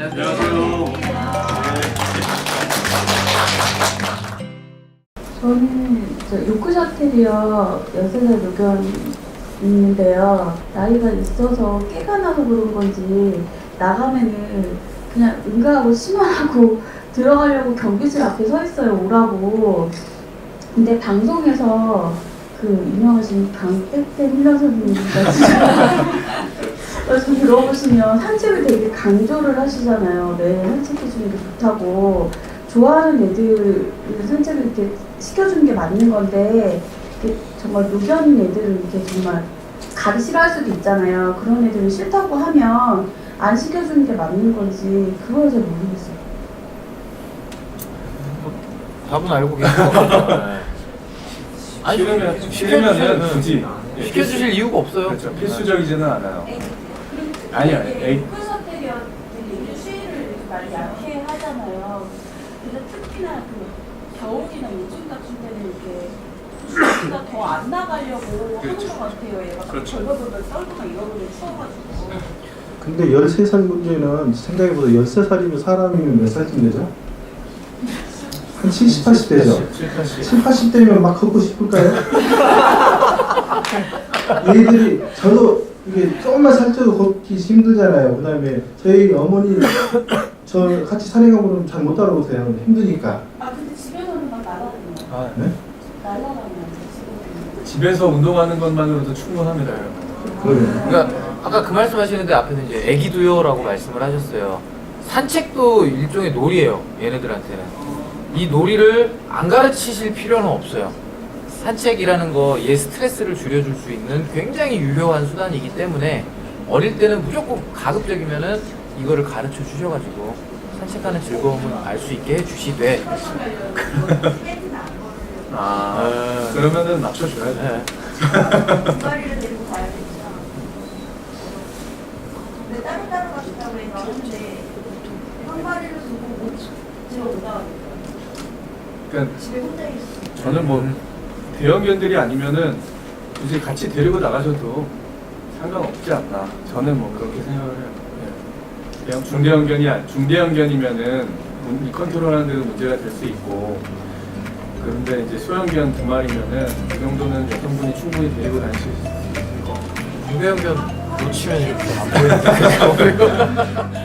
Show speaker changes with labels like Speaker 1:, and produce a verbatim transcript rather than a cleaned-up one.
Speaker 1: 안녕하세요.
Speaker 2: 저는 저 요크셔테리어 열세 살 노견 있는데요. 나이가 있어서 깨가 나서 그런 건지 나가면은 그냥 응가하고 심하고 들어가려고 경비실 앞에 서 있어요. 오라고. 근데 방송에서 그 유명하신 강백대 힐러 선생님까지 좀 들어보시면 산책을 되게 강조를 하시잖아요. 매일 산책해주는 게 좋다고. 좋아하는 애들 산책을 이렇게 시켜주는 게 맞는 건데, 이렇게 정말 노견인 애들은 이렇게 정말 가기 싫어할 수도 있잖아요. 그런 애들은 싫다고 하면 안 시켜주는 게 맞는 건지, 그걸 잘 모르겠어요.
Speaker 3: 답은 알고 계시고. 아니,
Speaker 1: 싫으면
Speaker 3: 시켜주시면
Speaker 1: 싫으면은 굳이
Speaker 3: 시켜주실 이유가 없어요.
Speaker 1: 그렇죠. 필수적이지는 않아요. 아니요, 에이.
Speaker 2: 요크셔테리어들이 수위를 많이 약해 하잖아요. 그래서 특히나 그 겨울이나 요즘 같은 때는 이렇게 수위가 더 안 나가려고
Speaker 1: 그렇죠.
Speaker 2: 하는 것 같아요. 얘가
Speaker 1: 그렇죠.
Speaker 2: 벌벌벌 떨고 막 이러거든요. 추워가지고.
Speaker 4: 근데 열세 살 문제는 생각해보다 열세 살이면 사람이면 몇 살쯤 되죠? 한 칠십, 팔십 되죠? 칠십, 팔십 대면 막 걷고 싶을까요? 얘들이 저도 이게 조금만 살쪄도 걷기 힘들잖아요. 그 다음에 저희 어머니 저 같이 산행하고 그러면 잘 못 따라오세요. 힘드니까.
Speaker 2: 아 근데 집에서는 막 나가거든요.
Speaker 1: 아,
Speaker 4: 네?
Speaker 2: 날라가면 집에서는.
Speaker 1: 집에서 운동하는 것만으로도 충분합니다.
Speaker 4: 그래요.
Speaker 3: 그러니까 아까 그 말씀하시는데 앞에서 이제 애기도요라고 말씀을 하셨어요. 산책도 일종의 놀이예요. 얘네들한테는. 이 놀이를 안 가르치실 필요는 없어요. 산책이라는 거 얘 스트레스를 줄여줄 수 있는 굉장히 유효한 수단이기 때문에 어릴 때는 무조건 가급적이면은 이거를 가르쳐 주셔가지고 산책하는 즐거움을 알 수 있게 해주시되.
Speaker 1: 아,
Speaker 3: 네.
Speaker 1: 그러면은 맞춰줘야죠.
Speaker 3: 네.
Speaker 2: 두마리를 데리고 가야겠죠. 근데 따로 따로 가신다고 해서 하는데 한 마리를 두고 못 들어오다
Speaker 1: 그러니까
Speaker 2: 집에 혼자 있어.
Speaker 1: 저는 뭐 대형견들이 아니면은 굳이 같이 데리고 나가셔도 상관없지 않나. 저는 뭐 그렇게 생각을 해요. 네. 대형 중대형견이 아니- 중대형견이면은 문- 이 컨트롤하는 데도 문제가 될 수 있고. 그런데 이제 소형견 두 마리면은 그 정도는 여성분이 충분히 데리고 다니실 수 있을 것 같아요.
Speaker 3: 중대형견 놓치면 이렇게 안 보이는데.